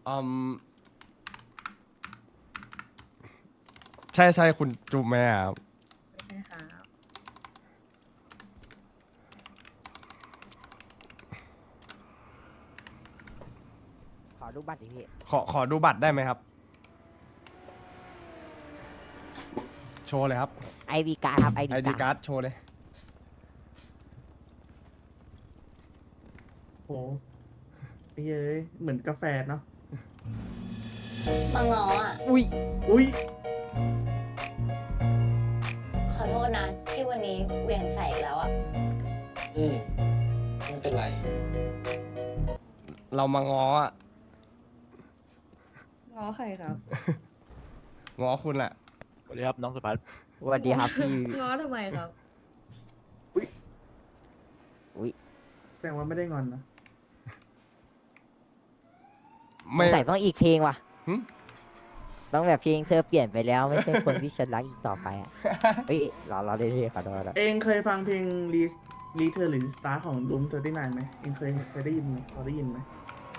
อืมใช่คุณจุ๊บไหมอะครับไม่ใช่ครับขอดูบัตรดิพี่ขอดูบัตรได้ไหมครับ โชว์เลยครับ ID การ์ดครับ ID ID การ์ด card โชว์เลยโหไอ้เย้ยเหมือนกาแฟเนาะมาง้ออ่ะอุ้ยอุ้ยขอโทษนะ ที่วันนี้เหวียงใส่อีกแล้วอ่ะไม่เป็นไรเรามาง้ออะง้อใครครับง้อคุณแหละสวัสดีครับน้องสุภัสสวัสดีครับพี่ง้อทำไมครับแสดงว่าไม่ได้งอนนะไม่ใส่ต้องอีกเพลงว่ะหึต้องแบบเพลงเธอเปลี่ยนไปแล้วไม่ใช่คนที่ฉันรักอีกต่อไปอ่ะ เฮ้ยเราได้ที่ขอโทษนะเองเคยฟังเพลงรีเทอร์หรือสตาร์ของรูม39ไหมเองเคยได้ยินไหมพอได้ยินไหม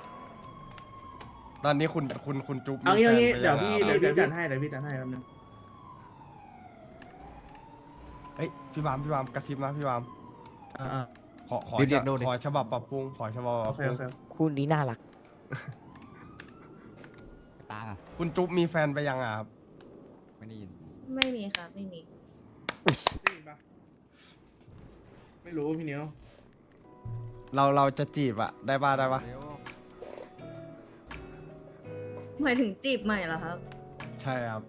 ตอนนี้คุณจุ๊บเอางี้มีแฟนเดี๋ยวไปพี่งอะเดี๋ยวพี่จัดให้แป๊บนึงเอ้ยพี่บามกระซิบนะพี่บามอ่าขอฉบับปรับปรุงขอฉบับปโอรับเคปรุโอง เคคู่นี้น่ารักตาคุณจุ๊บมีแฟนไปยังอะครับไม่ได้ยินไม่มีครับ ไม่มีได้ยินปะไม่รู้พี่เนียวเราจะจีบอะได้ปะหมายถึงจีบใหม่เหรอครับใช่ครับ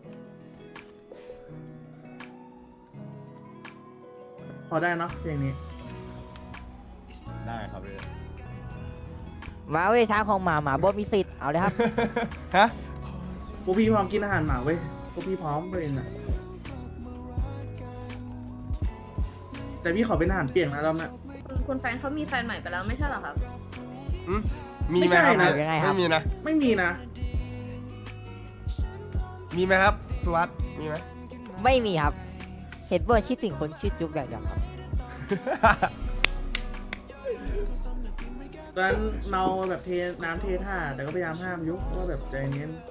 พอได้เนาะเพลงนี้ได้ครับพี่มาเว้ยช้างของหมาหมาบดมีสิทธิ์เอาเลยครับฮะพวกพี่พร้อมกินอาหารหมาเว้ยพวกพี่พร้อมเลยนะแต่พี่ขอเป็นอาหารเปียกนะรอบหน้าคุณแฟนเขามีแฟนใหม่ไปแล้วไม่ใช่เหรอครับมีไหมครับไม่ใช่นะยังไงครับไม่มีนะไม่มีนะมีไหมครับสุวัสด์มีไหมไม่มีครับ เห็นว่าคิดถึงคนชื่อจุ๊บอย่างเดียวครับตอนนั้นเมาแบบเทน้ำเทท่าแต่ก็พยายามห้ามยุว่าแบบใจเย็น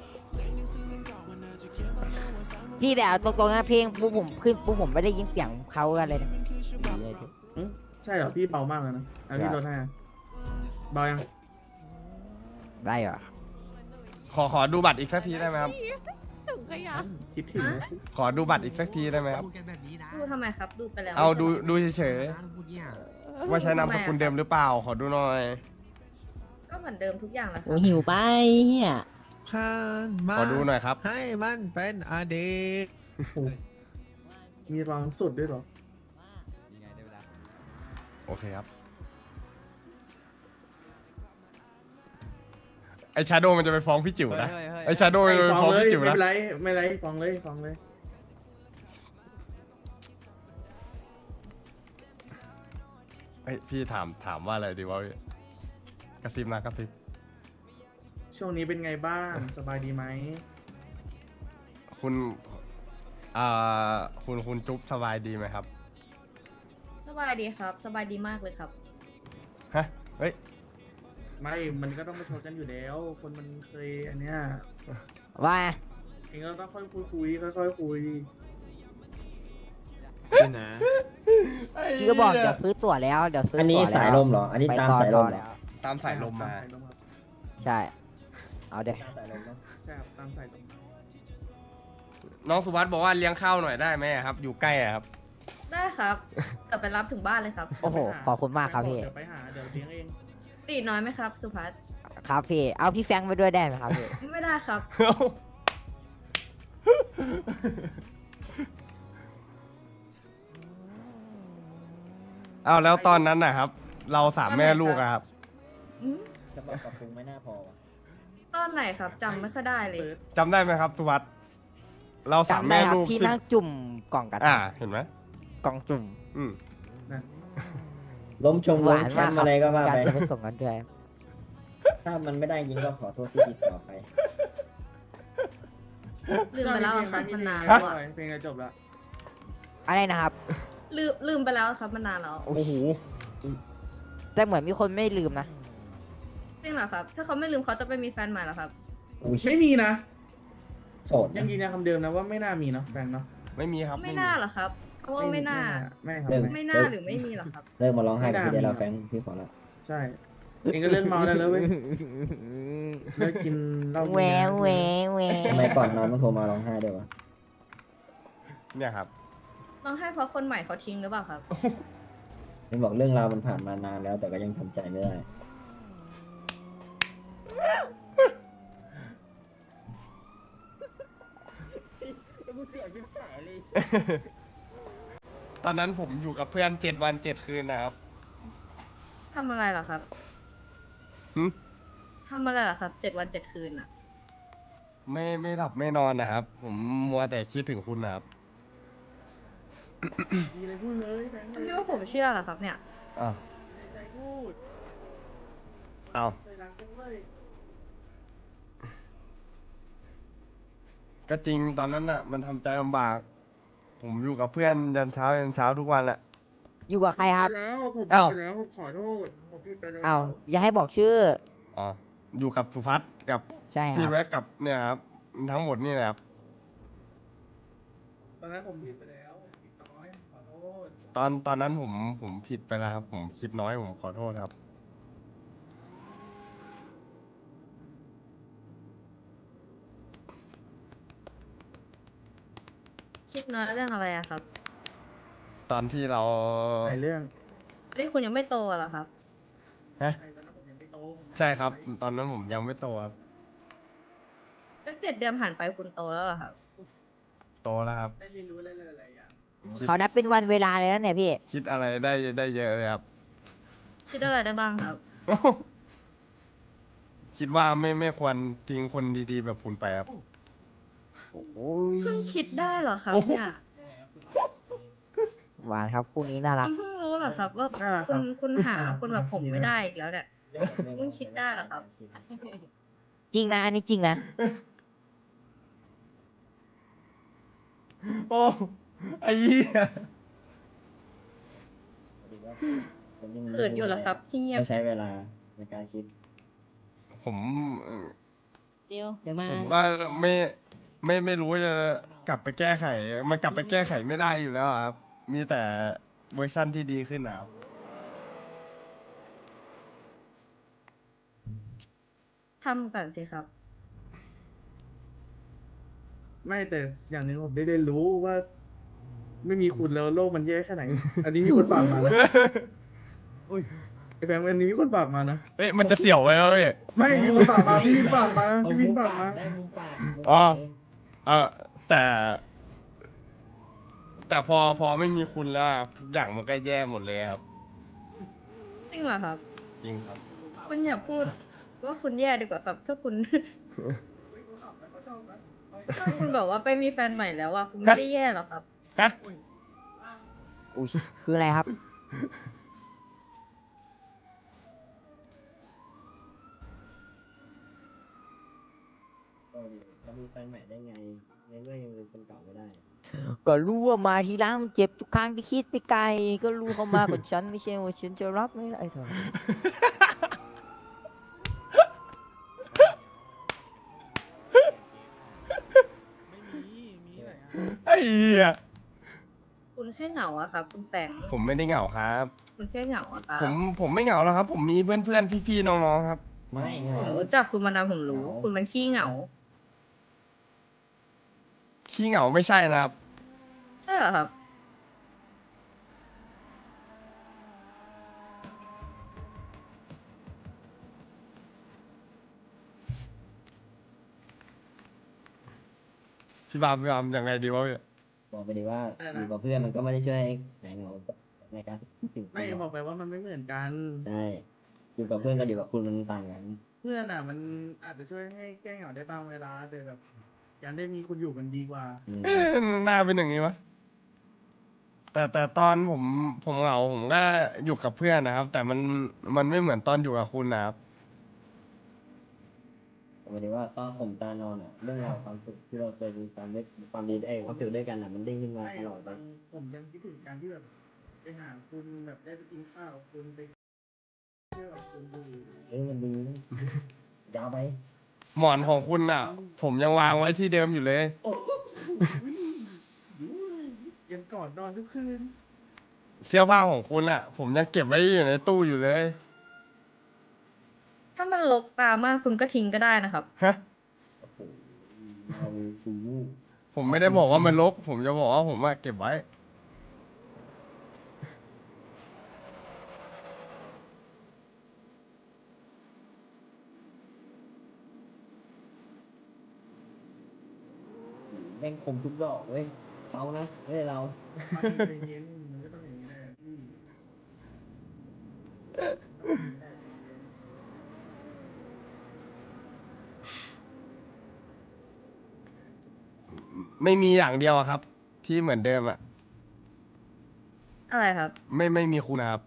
พี่แต่เอาตรงๆนะเพลงปุ๊บผมขึ้นปุ๊บผมไม่ได้ยินเสียงเขากันเลยนะใช่เหรอพี่เบามากเลยนะเอาพี่ลดให้อะเบายังได้เหรอขอดูบัตรอีกสักทีได้ไหมครับคิดถึงนะขอดูบัตรอีกสักทีได้ไหมครับพูดกันแบบนี้นะดูทำไมครับ ดูไปแล้วเอาไม่ใช่หรดูเฉยนะพูดเนี่ยๆว่าใช้นามสกุลเดิมหรือเปล่า ขอดูหน่อยก็เหมือนเดิมทุกอย่างแหละคโอ้รับหิวไปเฮียผ่านมาขอดูหน่อยครับให้มันเป็นอดีตมีรองสุดด้วยเหรอยังไงได้เวลาโอเคครับ ไอชาโดมันจะไปฟ้องพี่จิ๋วนะ ไอชาโดมันจะไปฟ้ฟ้ออง งเลยพี่จิ๋วไม่นะเป็นไรไม่เป็นไรฟ้องเลยเอ้ยพี่ถามว่าอะไรดีวะพี่กระซิบนะกระซิบช่วงนี้เป็นไงบ้างสบายดีไหมคุณคุณจุ๊บสบายดีไหมครับสบายดีครับ สบายดีมากเลยครับฮะ เฮ้ยไม่มันก็ต้องมาชนกันอยู่แล้ว คนมันเคยอันเนี้ยว่าเองก็ต้องค่อยคุยค่อยคุยนี่นะพี่ก็บอกเดี๋ยวซื้อตั๋วแล้วเดี๋ยวซื้ออันนี้ตั๋วแล้วสายลมเหรอ อันนี้ไปตามต่อสายลมต่อเหรแล้อวตามสายลมมาใช่ เอาเดี๋ยวตามสายลมเนอะใช่ครับตามสายลมน้องสุวัสด์บอกว่าเลี้ยงข้าวหน่อยได้ไหมครับ อยู่ใกล้อะครับได้ครับเดี๋ยวไปรับถึงบ้านเลยครับโอ้โหขอบคุณมากครับพี่เดี๋ยวไปหาเดี๋ยวเลี้ยงเองตีน้อยไหมครับ สุภัสครับพี่ เอาพี่แฟรงค์ไปด้วยได้ไหมครับพี่ไม่ได้ครับเอาแล้วตอนนั้นนะครับ เราสามแม่ลูกอะครับอืมจะบอกปรับปรุงไม่น่าพอวะตอนไหนครับจำไม่ค่อยได้เลยเปิดจำได้ไหมครับสุวัสด์เราสามจำได้แม่ครับลูกที่นั่งจุ่มกล่องกันเห็นไหมกล่องจุ่มอืมล้มชงหล้วาม นแชมากมป์ครัอะไรก็ว่าการไปจะไปส่งกันด้วยถ้ามันไม่ได้จริงก็ขอโทษที่ติดต่อไปลืมไปแล้วอะครับมันนานฮะแล้วอะเพลงจะจบแล้วอะไรนะครับลืมไปแล้วครับมันนานแล้วโอ้โหแต่เหมือนมีคนไม่ลืมนะจริงเหรอครับ ถ้าเขาไม่ลืมเขาจะไปมีแฟนใหม่เหรอครับอุ้ยไม่มีนะโสดยังยืนยันคำเดิมนะว่าไม่น่ามีเนาะแฟนเนาะไม่มีครับไม่น่าหรอครับเพราะว่าไม่น่าไม่ครับไม่น่าหรือไม่มีหรอครับเลิกมาร้องไห้กับพี่ได้แล้วแฟงพี่ขอละใช่เองก็เลิกเมาได้แล้วเว้ยเลิกกินเหล้าแหวกินแหวน้ำแหวทำไมก่อนนอนต้องโทรมาร้องไห้ด้วยวะเนี่ยครับต้องให้เพราะคนใหม่เขาทิ้งหรือเปล่าครับเห็นบอกเรื่องราวมันผ่านมานานแล้ว แต่ก็ยังทำใจไม่ได้ตอนนั้นผมอยู่กับเพื่อน7 วัน 7 คืนนะครับทำอะไรเหรอครับหึทำอะไรเหรอครับ7 วัน 7 คืนอ่ะไม่หลับไม่นอนนะครับ ผมมัวแต่คิดถึงคุณนะครับมีอะไรพูดเลยแฟนไม่ว่าผมเชื่อเหรอครับเนี่ยอ้าวใจพูดอ้าวใจรักกันเว้ยก็จริงตอนนั้นอ่ะ มันทำใจลำบาก ผมอยู่กับเพื่อนยันเช้าทุกวันแหละอยู่กับใครครับแล้วผมอ้าวผิดไปแล้วผมขอโทษผมผิดไปแล้วอ้าวอย่าให้บอกชื่ออ๋อ อยู่กับสุพัฒน์กับใช่คพี่รับแว็กกับเนี่ยครับ ทั้งหมดนี่แหละครับตอนนั้นผมผิดไปแล้วผิดน้อยขอโทษตอนนั้นผมผิดไปแล้วครับ ผมคิดน้อยผมขอโทษครับคิดน้อยเรื่องอะไรอะครับตอนที่เราไอเรื่องนี่คุณยังไม่โตเหรอครับฮะไอตอนนั้นผมยังไม่โตใช่ครับ ตอนนั้นผมยังไม่โตครับแล้ว7 เดือนผ่านไปคุณโตแล้วเหรอครับโตแล้วครับได้เรียนรู้อะไรหลายๆอย่างเขานับเป็นวันเวลาเลยนะเนี่ยพี่คิดอะไรได้เยอะเลยครับคิดอะไรได้บ้างครับคิดว่าไม่ควรทิ้งคนดีๆแบบคุณไปครับเพิ่งคิดได้เหรอครับเนี่ยหวานครับคู่นี้น่ารักเพิ่งรู้เหรอครับว่าน่ารักครับคุณหาคนแบบผมไม่ได้อีกแล้วเนี่ย เพิ่งคิดได้เหรอครับจริงนะอันนี้จริงนะโอ้ไอ้เหี้ยเขินอยู่เหรอครับที่เงียบต้องใช้เวลาในการคิดผมเอ่อเดี๋ยวมาผมก็ไม่รู้จะกลับไปแก้ไข มันกลับไปแก้ไขไม่ได้อยู่แล้วอะครับ มีแต่เวอร์ชั่นที่ดีขึ้นนะครับทำก่อนสิครับไม่แต่อย่างหนึงผมได้เรียนรู้ว่า ไม่มีคุณแล้วโลกมันแย่แค่ไหน อันนี้มีคนฝากมานะไอแฟนอันนี้มีคนฝากมานะเฮ้ย มันจะเสี่ยวไหมวะพี่ไม่มีคนฝากมาพี่วินฝากมาพี่วินฝากมาอ๋อ แต่ แต่พอไม่มีคุณแล้วอะทุกอย่างมันก็แย่หมดเลยครับจริงเหรอครับจริงครับคุณอย่าพูดว่าคุณแย่ดีกว่าครับ ถ้าคุณ ถ้าคุณบอกว่าไปมีแฟนใหม่แล้วอะคุณไม่ได้แย่หรอกครับฮะอุ้ยคืออะไรครับจะมีแฟนใหม่ได้ไงในเมื่อยังเป็นคนเก่าไม่ได้ก็รู้ว่ามาทีหลังมันเจ็บทุกครั้งที่คิดไปไกล ก็รู้เขามากับฉันไม่ใช่ว่าฉันจะรับไม่ได้เถอะไอ้เหี้ยคุณแค่เหงาอะครับ คุณแปงผมไม่ได้เหงาครับคุณแค่เหงาอะครับผมไม่เหงาแล้วครับ ผมมีเพื่อนๆ พี่ๆ น้องๆ ครับไม่ไงผมรู้จักคุณมานานผมรู้ คุณมันขี้เหงาขี้เหงาไม่ใช่นะครับใช่เหรอครับพี่บามยังไงดีวะพี่บอกไปดีว่าอยู่กับเพื่อนมันก็ไม่ได้ช่วยให้หายเหงาในการคิดถึงไม่บอกไปว่ามันไม่เหมือนกันใช่อยู่กับเพื่อนกับอยู่กับคุณมันต่างกันเพื่อนอ่ะ มันอาจจะช่วยให้แก้เหงาได้บางเวลาแต่แบบการได้มีคุณอยู่มันดีกว่าอืมเอ๊ะหน้าเป็นอย่างนี้วะแต่ตอนผมเหงาผมก็อยู่กับเพื่อนนะครับ แต่มันไม่เหมือนตอนอยู่กับคุณนะครับบอกไปดีว่าตอนผมตานอนอ่ะเรื่องราวความสุขที่เราเคยมีความดีความสุขด้วยกันอ่ะมันเด้งขึ้นมาไม่ตหรลออก ดบางผมยังคิดถึงการที่แบบไปหาคุณแบบได้ไปกินข้าวกับคุณไปเที่ยวกับคุณดูเอ้ยมันดีนะยาวไปหมอนของคุณอ่ะ ผมยังวางไว้ที่เดิมอยู่เลยยังก่อนนอนทุกคืนเสื้อผ้าของคุณอ่ะ ผมยังเก็บไว้อยู่ในตู้อยู่เลยถ้ามันรกตามากคุณก็ทิ้งก็ได้นะครับฮะเราฟูผมไม่ได้บอกว่ามันรก ผมจะบอกว่าผมว่าเก็บไว้แม่งคมทุกดอกเว้ยเขานะไม่ใช่เราใจเย็นมันก็ต้องอย่างนี้แหละพี่ไม่มีอย่างเดียวอะครับ ที่เหมือนเดิมอ่ะอะไรครับไม่มีคุณนะครับ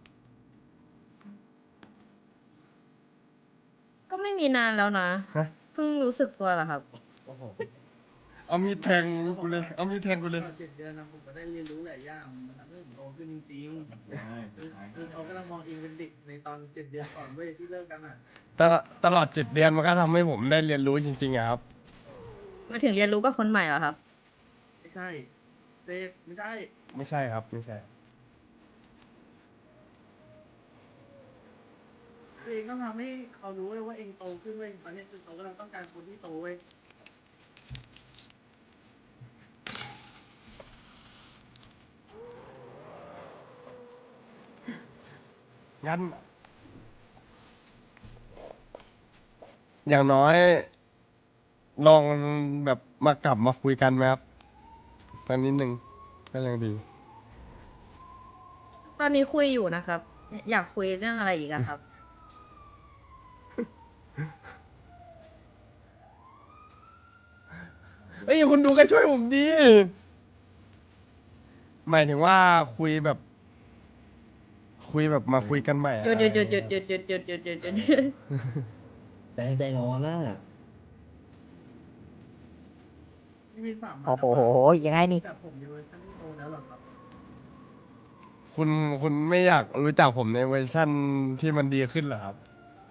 ก็ไม่มีนานแล้วนะฮะเพิ่งรู้สึกตัวเหรอครับโอ้โหเอามีดแทงกูเลย เอามีดแทงกูเลยตอน7 เดือนนะผมก็ได้เรียนรู้หลายอย่างมันทำให้ผมโตขึ้นจริงๆคือเขากำลังมองเองเป็นเด็กในตอน7 เดือนก่อนเว้ยที่เลิกกันอ่ะตลอด7 เดือนมันก็ทำให้ผมได้เรียนรู้จริงๆอะครับมาถึงเรียนรู้กับคนใหม่เหรอครับไม่ใช่เด็กไม่ใช่ไม่ใช่ครับ ไม่ใช่เองต้องทำให้เขารู้เว้ยว่าเองโตขึ้นเว้ยตอนนี้คือเขากำลังต้องการคนที่โตเว้ยงั้น อย่างน้อย ลองแบบมากลับมาคุยกันไหมครับตอนนิดนึงก็ยังดีตอนนี้คุยอยู่นะครับ อยากคุยเรื่องอะไรอีกอะครับเอ้ยคุณดูกันช่วยผมดี หมายถึงว่าคุยแบบ คุยแบบมาคุยกันใหม่อะหยุดหยุดหยุดหยุดหยุดหยุดหยุดหยุดหยุดหยุดหยุดแต่ใจร้อนน่ะนี่มีสามโอ้โหยังไงนี่แต่ผมในเวอร์ชันที่โตแล้วเหรอครับคุณไม่อยากรู้จักผมในเวอร์ชั่นที่มันดีขึ้นเหรอครับ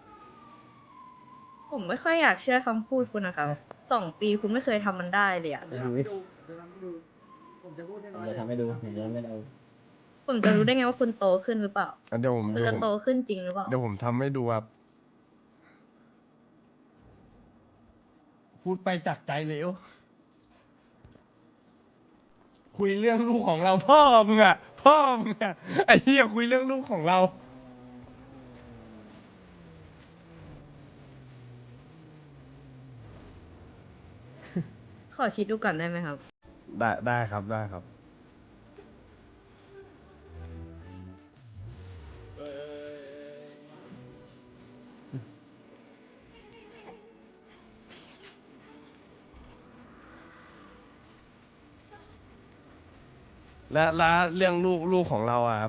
ผมไม่ค่อยอยากเชื่อคำพูดคุณนะครับ 2 ปีคุณไม่เคยทำมันได้เลยอะเดี๋ยวทำให้ดูเดี๋ยวทำให้ดู ผมจะพูดให้ผน้มอยจะทำให้ดูผมจะทำให้ดูผมจะรู้ได้ไงว่าคุณโตขึ้นหรือเปล่าเดี๋ยวผมคุณจะโตขึ้นจริงหรือเปล่าเดี๋ยวผมทำให้ดูครับ พูดไปจากใจเลยโอ้คุยเรื่องลูกของเราพ่อมึงอะพ่อมึงอะไอ้เหี้ยคุยเรื่องลูกของเราขอคิดดูก่อนได้ไหมครับได้ครับได้ครับ และเรื่องลูกของเราอะครับ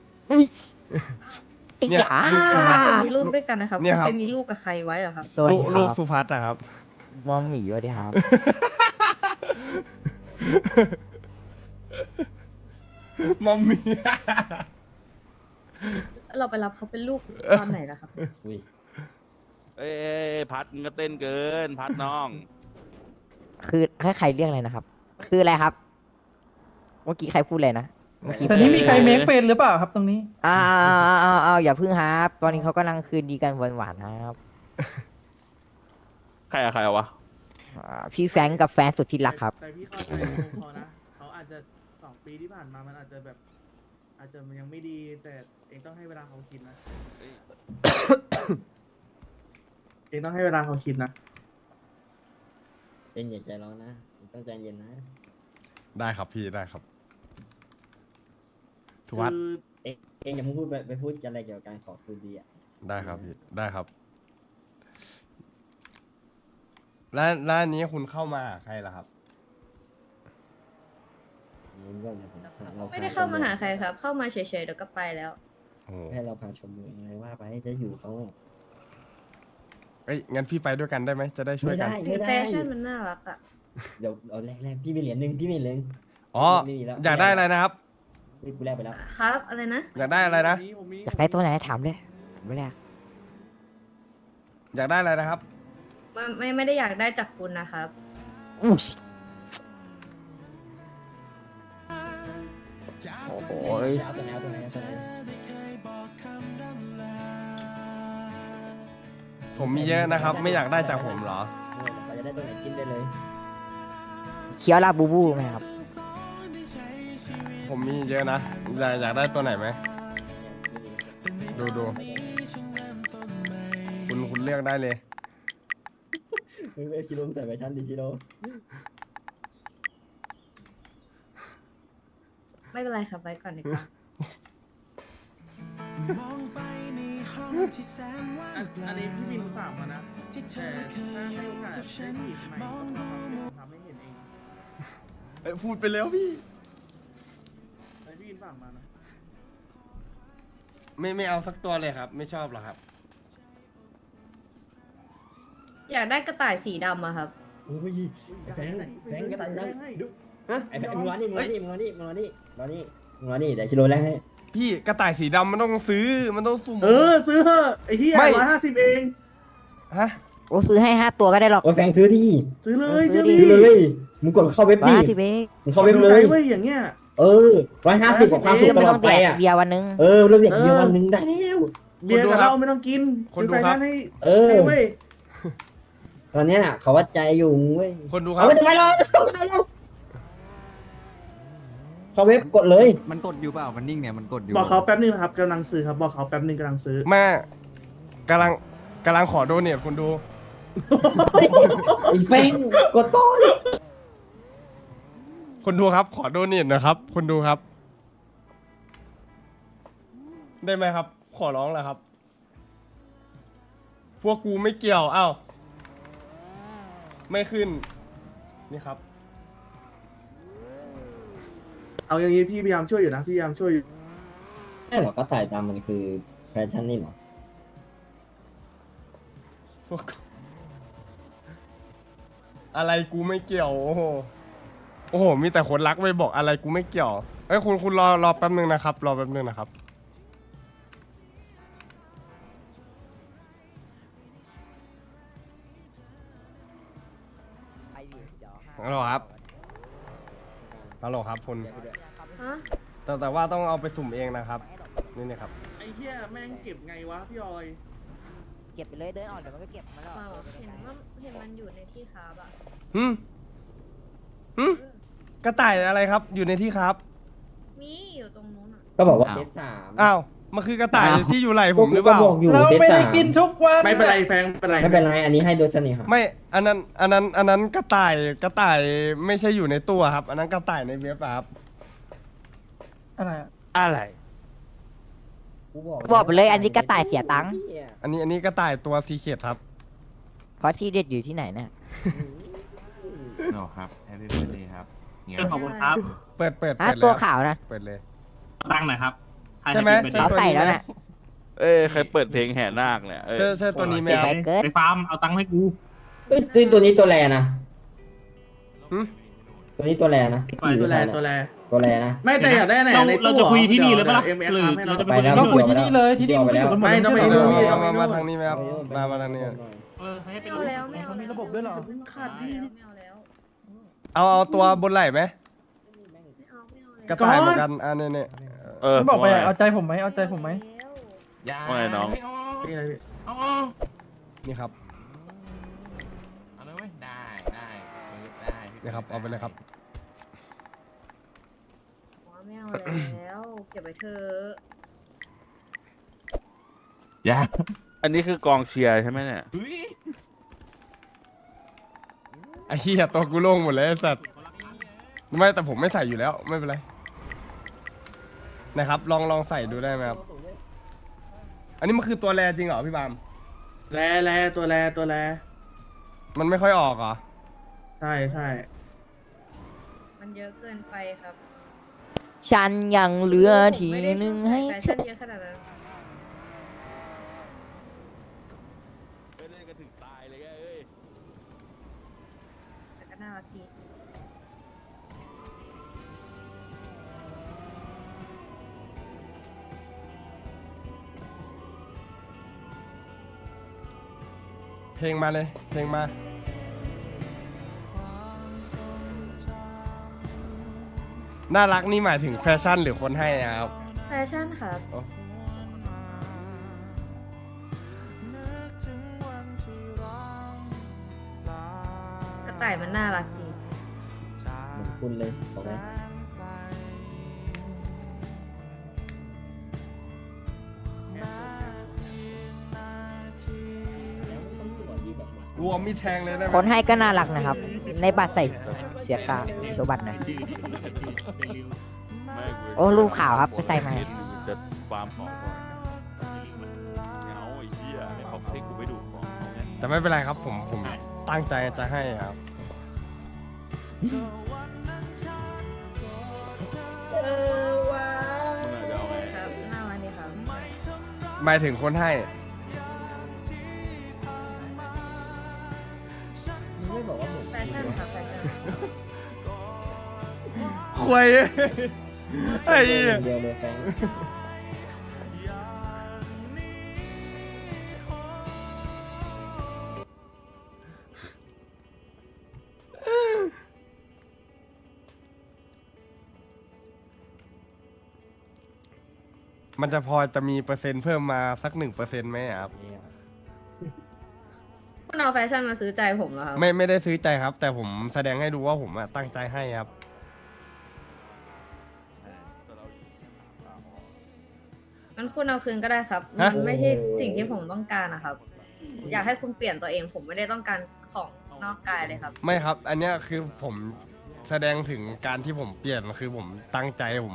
เนี่ย ลูกสุนัขคุณมีลูกด้วยกันนะครับเนี่คุยณครับไปมีลูกกับใครไว้เหรอครับสวัสดีลูกครับสุพัฒน์อะครับมองหมีสวัสดีครับมัมมี่เราไปรับเขาเป็นลูกตอนไหนล่ะครับอุ้ยเอ้ยพัดมึงก็เต้นเกิน พัดน้องคือให้ใครเรียกอะไรนะครับ คืออะไรครับ เมื่อกี้ใครพูดอะไรนะ เมื่อกี้ตอนนี้มีใครเออเมคเฟนหรือเปล่าครับตรงนี้อ้าวอย่าพึ่งครับ ตอนนี้เขากำลังคืนดีกันหวานๆครับใครอะใครอะวะพี่แฟรงก์กับแฟนสุดที่รักครับแต่พี่เข้าใจเขานะ เขาอาจจะ2 ปีที่ผ่านมามันอาจจะแบบ อาจจะมันยังไม่ดี แต่เองต้องให้เวลาเขาคิดนะ เองต้องให้เวลาเขาคิดนะเย็นอย่าใจร้อนนะต้องใจเย็นนะได้ครับพี่ได้ครับ สุวัสคืด์อเองอย่าพูดไปพูดอะไรเกี่ยวกับการขอคืนดีอ่ะได้ครับพี่ได้ครับ แล้วอันนี้คุณเข้ามาหาใครล่ะครับไม่ได้เข้ามาหาใครครับ เข้ามาเฉยๆเดี๋ยวก็ไปแล้วโอ้โหให้เราพาชมเมืองอะไรว่าไปจะอยู่เขาเอ้ยงั้นพี่ไปด้วยกันได้ไหมจะได้ช่วยไม่กันได้ถึไม่งได้แฟชั่นมันน่ารักอะเดี๋ยวเอาแรกพี่มีเหรียญหนึ่งพี่มีเหรียญหนึ่งอ๋อไม่มีแล้วอยากได้อะไรนะครับนี่กูแลกไปแล้วครับ อะไรนะอยากได้อะไรนะผมมีอยากได้ตัวไหนถามเลยไม่แรกอยากได้อะไรนะครับไม่ได้อยากได้จากคุณนะครับอุ๊ยโอ้โหเอาตัวไหนเอาตัวไหนเอาตัวไหนผมมีเยอะนะครับ ไม่อยากได้จากผมเหรอเราจะได้ตัวไหนกินได้เลยเคี้ยวลาบูบูไหมครับผมมีเยอะนะอยากได้ตัวไหนไหมดูคุณเลือกได้เลยไม่ชิโร่ใส่แฟชั่นดิชิโร่ไม่เป็นไรครับไว้ก่อนดีกว่าอันนี้พี่บินฝากมานะแต่ถ้าให้โอกาสได้จีบใหม่ทำให้เห็นเองพูดไปแล้วพี่อันนี้พี่บินฝากมานะไม่เอาสักตัวเลยครับ ไม่ชอบหรอกครับอยากได้กระต่ายสีดำอะครับอุ้ยแฟงก็ตันได้ดูไอ้แฟงมึงรอนี่เดี๋ยวชิโร่แรกให้พี่กระต่ายสีดำมันต้องซื้อมันต้องสุ่มซื้อเถอะไอ้เหี้ยไม่ 150เองฮะโอ้ซื้อให้5 ตัวก็ได้หรอกโอ้แฟงซื้อที่ซื้อเลยซื้ซื้ออดิเลยมึงกดเข้าเว็บดิ 150เองมึงเข้าเว็บเลยเว้ยอย่างเงี้ย 150กับความสุขตไม่ลต้ออดงไปแดกอ่ะเบียร์วันนึงเรื่องเด็กเดียววันหนึ่งได้แล้วเบียร์กับเราไม่ต้องกินซื้อไปนั่นให้ ให้เว้ยตอนเนี้ยเขาวัดใจอยู่เว้ยคนดูครัเอาบไม่ทำไมล่ะเข้าเว็บกดเลยมันกดอยู่เปล่า มันนิ่งเนี่ย มันกดอยู่บอกเขาแป๊บนึงนะครับกำลังซื้อครับบอกเขาแป๊บนึงกำลังซื้อแม่กำลังขอโดเนทคุณดูไอ้แฟงกดต่อคนดูครับ ขอโดเนทนะครับคนดูครับ ได้ไหมครับ ขอร้องแหละครับ พวกกูไม่เกี่ยวอ้าวไม่ขึ้น นี่ครับเอาอย่างนี้พี่พยายามช่วยอยู่นะพี่พยายามช่วยอยู่ใช่เหรอก็ถ่ายตามมันคือแฟชั่นนี่เหรอพวกอะไรกูไม่เกี่ยว โอ้โหโอ้โหมีแต่คนรักไปบอกอะไรกูไม่เกี่ยวเอ้ยคุณรอแป๊บนึงนะครับ รอแป๊บนึงนะครับฮัลโหลครับฮัลโหลครับคุณฮะแต่ว่าต้องเอาไปสุ่มเองนะครับนี่ครับไอ้เหี้ยแม่งเก็บไงวะพี่ออยเก็บไปเลยเดินออกเดี๋ยวมันก็เก็บมาแล้วเห็นมันอยู่ในที่คาบอะหืมกระต่ายอะไรครับ อยู่ในที่ครับมีอยู่ตรงนู้นอะก็บอกว่าเซต3 อ้าวมันคือกระต่ายที่อยู่ไหล่ผมหรือเปล่าก็บอกอยู่เราเซตไม่ได้ 3 กินทุกวันไม่เป็นไรแพงไม่เป็นไรไม่เป็นไรอันนี้ให้โดยเสน่หาไม่อันนั้นกระต่ายไม่ใช่อยู่ในตัวครับ อันนั้นกระต่ายในเว็บอะครับอะไรบอกไปเลยอันนี้กระต่ายเสียตังค์อันนี้กระต่ายตัวซีเคียดครับเพราะที่เด็ดอยู่ที่ไหนเนี่ยโอ้ครับแฮปปี้เบิร์ดเดย์ครับเงี้ยขอบคุณครับเปิดตัวแล้วขาวนะเปิดเลยตั้งหน่อยครับใช่ไหมเราใส่แล้วน่ะเอ้ยใครเปิดเพลงแห่นาคเนี่ยเอ้ยใช่ตัวนี้ไหมเก็บครับไปเกินไปฟาร์มเอาตังค์ให้กูเอ้ยตัวนี้ตัวแรนะหึตัวนี้ตัวแรนะตัวแลตัวแรนะไม่แต่อยากได้ไหนในเราจะคุยที่นี่เลยปะล่ะหรือเราจะไปแล้วต้องคุยที่นี่เลยที่นี่ไปแล้วไม่ต้องไปเอาดูมาทางนี้ไหมครับมาทางนี้ไม่เอาแล้วไม่เอาแล้วมีระบบด้วยหรอขาดพี่ไม่เอาแล้วเอาตัวบนไหล่ไหมไม่เอาเลยกระต่ายเหมือนกันอันนี้เออบอกไปว่าไงเอาใจผมไหมเอาใจผมไหมว่าไงน้องนี่ครับเอาเลยเว้ยได้ได้นี่ครับเอาไปเลยครับไม่เอาแล้วเก็บไว้เถอะอย่าอันนี้คือกองเชียร์ใช่ไหมเนี่ยเฮ้ยไอ้เหี้ยตัวกูโล่งหมดเลยไอ้สัตว์ไม่แต่ผมไม่ใส่อยู่แล้วไม่เป็นไรนะครับลองใส่ดูได้ไหมครับอันนี้มันคือตัวแรจริงเหรอพี่บามแลตัวแลมันไม่ค่อยออกเหรอใช่มันเยอะเกินไปครับฉันยังเหลือทีนึงให้แฟเธชั่อนเยอะขนาดนั้นไม่เล่นกันถึงตายเลยไงเอ้ยแต่ก็น่ารักดีเพลงมาเลย เพลงมา น่ารักนี่หมายถึงแฟชั่นหรือคนให้อะครับแฟชั่นครับอ๋อกระต่ายมันน่ารักดีเหมือนคุณเลยบอกไหมรวมมีแทงเลยได้ไหมคนให้ก็น่ารักนะครับ ในบัตรใส่เสียกาโชว์บัตรหน่อยไม่กูโอ้รูปขาวครับไปใส่มาเห็นจะฟาร์มของก่อนเงาไอ้เหี้ยไม่เอาให้กูไปดูของเขาไงแต่ไม่เป็นไรครับผมตั้งใจจะให้ครับมึงอาจจะเอาไงครับน่ารักดีครับหมายถึงคนให้มึงไม่บอกว่าผมแฟชั่นครับแฟชั่นควยไอ้เหี้ยเดียวเลยแฟงมันจะพอจะมีเปอร์เซ็นต์เพิ่มมาสัก1%ไหมอะครับคุณเอาแฟชั่นมาซื้อใจผมเหรอครับไม่ได้ซื้อใจครับ แต่ผมแสดงให้ดูว่าผมอะตั้งใจให้ครับงั้นคุณเอาคืนก็ได้ครับฮะมันไม่ใช่สิ่งที่ผมต้องการนะครับ อยากให้คุณเปลี่ยนตัวเองผมไม่ได้ต้องการของนอกกายเลยครับไม่ครับ อันเนี้ยคือผมแสดงถึงการที่ผมเปลี่ยนคือผมตั้งใจผม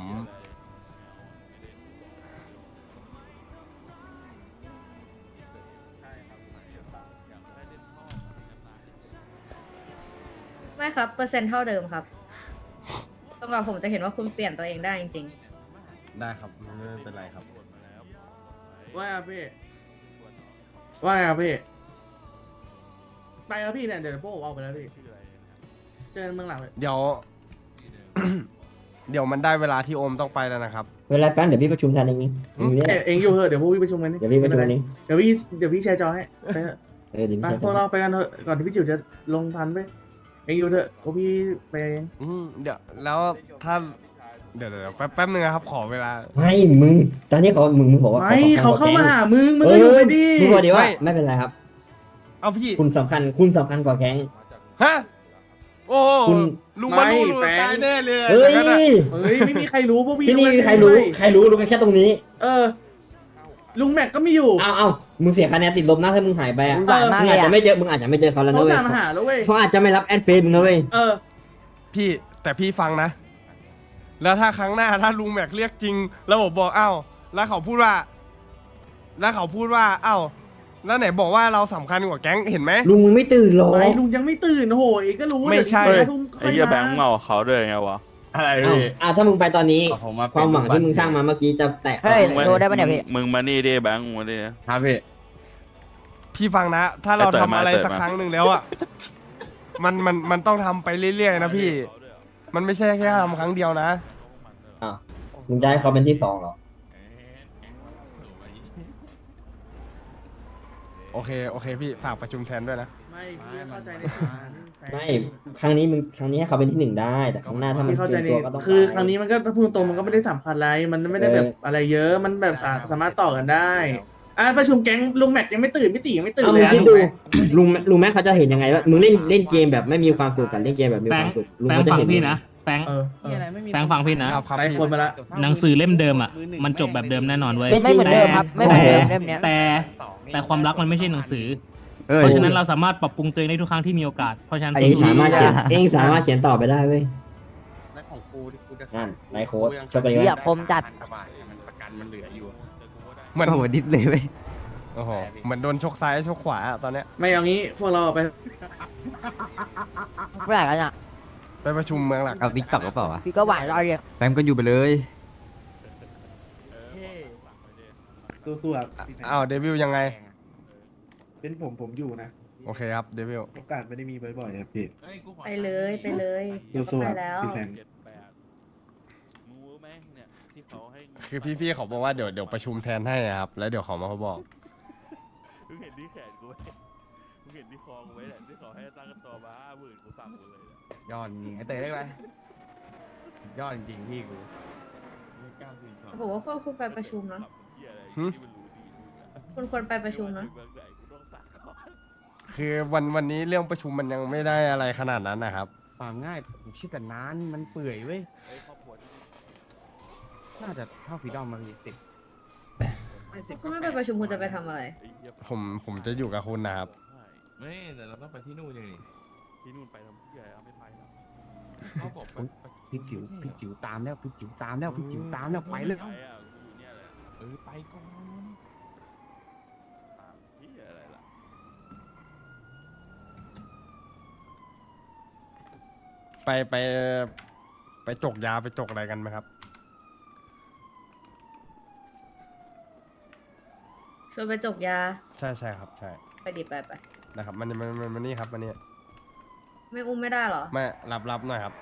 ไม่ครับเปอร์เซ็นต์เท่าเดิมครับจนกว่าผมจะเห็นว่าคุณเปลี่ยนตัวเองได้จริงได้ครับไม่เป็นไรครับว่าไงพี่ว่าไงพี่ไปแล้วพี่เนี่ยเดี๋ยวพวกผมออกไปแล้วพี่เจอกันเมืองหลังเลยเดี๋ยว เดี๋ยวมันได้เวลาที่โอมต้องไปแล้วนะครับเวลาแฟงเดี๋ยวพี่ประชุมแทนเองนี่อยู่เนี่ยเองอยู่เถอะเดี๋ยวพวกพี่ประชุมกันนี่เดี๋ยวพี่ประชุมเองเดี๋ยวพี่แชร์จอให้ไปเถอะเดี๋ยวไปพี่พวกเราไปกันเถอะก่อนที่พี่จิ๋วจะลงทันไปเองอยู่เถอะพวกพี่ไปเองเดี๋ยวแล้วถ้าเดี๋ยวแป๊บนึงนะครับ ขอเวลาไม่มึงตอนนี้เขามึงบอกว่าไม่เขาเข้ามาหามึงมึก็อยู่ไปดิมึงบอกดีว่าไม่ไม่เป็นไรครับเอาพี่คุณสำคัญกว่าแก๊งฮะโอ้โหคุณลุงมารู้ลุงตายแน่เลยเฮ้ยอย่างนั้นอะเฮ้ยไม่มีใครรู้พวกพี่ที่นี่กันใครรู้ด้วยใครรู้กันแค่ตรงนี้เออ ลุงแม็กก็ไม่อยู่เอามึงเสียคะแนนติดลบนะถ้ามึงหายไปอ่ะหวานมากมึงเลอาจยจะอะไม่เจอมึงอาจจะไม่เจอเขาแล้วเขานะเว้ยสั่งมาหาแล้วเว้ยเขาอาจจะไม่รับแอดเฟซมึงนะเว้ยเออพี่แต่พี่ฟังนะ แล้วถ้าครั้งหน้าถ้าลุงแม็กเรียกจริง แล้วผมบอกอ้าวแล้วเขาพูดว่าอ้าวแล้วไหนบอกว่าเราสำคัญกว่าแก๊งเห็นไหมลุงมึงไม่ตื่นหรอไม่ลุงยังไม่ตื่นโอ้โหเองก็รู้ไม่ใช่เดี๋ยวเฮ้ยลุงค่ไอ้อยเหี้ยมาแบงค์เมาเขาด้วยไงวะอะไรอ้าวพี่ถ้ามึงไปตอนนี้ผมมาเป็นความหวังที่มึงสร้างมาเมื่อกี้จะแตกเฮ้ยมึงมาโดนได้ปะเนี่ยพี่มึงมานี่ดิแบงค์มาดิครับพี่พี่ฟังนะ ถ้าเราไอ้เต๋อทำอะไรมาสักครั้งหนึ่งแล้วอ่ะมันต้องทำไปเรื่อยๆนะพี่ มันไม่ใช่แค่ทำครั้งเดียวนะอ้าวมึงจะให้เขาเป็นที่สองเหรอโอเคพี่ฝากประชุมแทนด้วยนะไม่พี่เข้าใจในฐานะแฟนไม่ครั้งนี้ให้เขาเป็นที่หนึ่งได้ แต่ครั้งหน้าถ้ามันพี่เข้าใจเกินในตัวก็ต้องคือไปครั้งนี้มันก็ถ้าพูดตรงมันก็ไม่ได้สำคัญอะไร มันไม่ได้แบบอะไรเยอะ มันแบบสามารถต่อกันได้ประชุมแก๊งลุงแม็กยังไม่ตื่นพี่ตียังไม่ตื่นเอาเลมึยงอะคิดถูดูกไหมลุงแม่เขาจะเห็นยังไงว่ามึงเล่นเกมแบบไม่มีความสุขกับเล่นเกมแบบมีความสุขลุงแป้งเขาจะฟังเห็นพี่นะแป้งเออแป้งฟังพี่นะครับได้พี่คนมาละหนังสือเล่มเดิมอ่ะมันจบแบบเดิมแน่นอนเว้ยไม่เหมือนเดิมครับไม่เหมือนเดิมเล่มเนี้ยแต่ความรักมันไม่ใช่หนังสือเอ้ยเพราะฉะนั้นเราสามารถปรับปรุงตัวเองได้ทุกครั้งที่มีโอกาส เพราะฉะนั้นเองสามารถเขียนต่อไปได้เว้ยและของกูที่กูจะนั่นนายโค้ดชอบไปเหี้ยคมจัดมันประกันมันเหลืออยู่เหมือนโอ้โหดิสเลยเว้ยโอ้โหเหมือนโดนชกซ้ายชกขวาอะตอนเนี้ยไม่เอางี้พวกเราไปเมื่อไหร่กันอ่ะไปประชุมเมืองหลักเอาติ๊กต็อกหรือเปล่าวะพี่ก็หวานเราเรียกแฟมก็อยู่ไปเลยตัวอ้าวเดวิลยังไงเป็นผมอยู่นะโอเคครับเดวิลโอกาสไม่ได้มีบ่อยๆครับพี่ไปเลยเดี๋ยวก็ไปแล้ว 7-8มึงรู้ไหมเนี่ยที่เขาให้คือพี่เขาบอกว่าเดี๋ยวประชุมแทนให้อะครับ แล้วเดี๋ยวเขามาเขาบอกมึงเห็นที่แขนกูไหมมึงเห็นที่คอกูไว้แหละที่เขาให้ตั้งกันตัวมา50,000กูสั่งกูเลยเนี่ยยอดจริงไอ้เตยเรียกอะไรยอดจริงพี่กูผมว่าคุณไปประชุมนะเหี้ยอะไรหึที่มันรู้ดีมึงอะคุณควรไปประชุมนะเมืองไหนกูต้องสั่งก่อนคือวันนี้เรื่องประชุมมันยังไม่ได้อะไรขนาดนั้นนะครับความง่ายผมคิดแต่นานมันเปื่อยเว้ยไอ้ครอบครัวที่นี่น่าจะเท่าฟรีดอมมาพี่10ไม่10 คุณไม่ไปประชุมคุณจะไปทำอะไรไอ้เหี้ยผมจะอยู่กับคุณนะครับไม่ไม่แต่เราต้องไปที่นู่นยังนี่ที่นู่นไปทำเหี้ยเอาไม่ไปแล้วเขาบอกพี่จิ๋วตามแล้วพี่จิ๋วตามแล้วพี่จิ๋วตามแล้วไปเลยไปอ่ะกูอยู่เนี่ยแหละไปก่อนตามเหี้ยอะไรล่ะไปจกยาไปจกอะไรกันไหมครับชวนไปจบยาใช่ครับใช่ไปดิไปนะครับมันนี่ครับมันนี่ไม่อุ้มไม่ได้เหรอไม่รับหน่อยครับ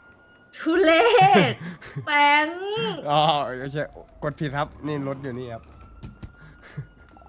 ทุเลศแปงอ๋อไม่ใช่กดผิดครับนี่รถอยู่นี่ครับ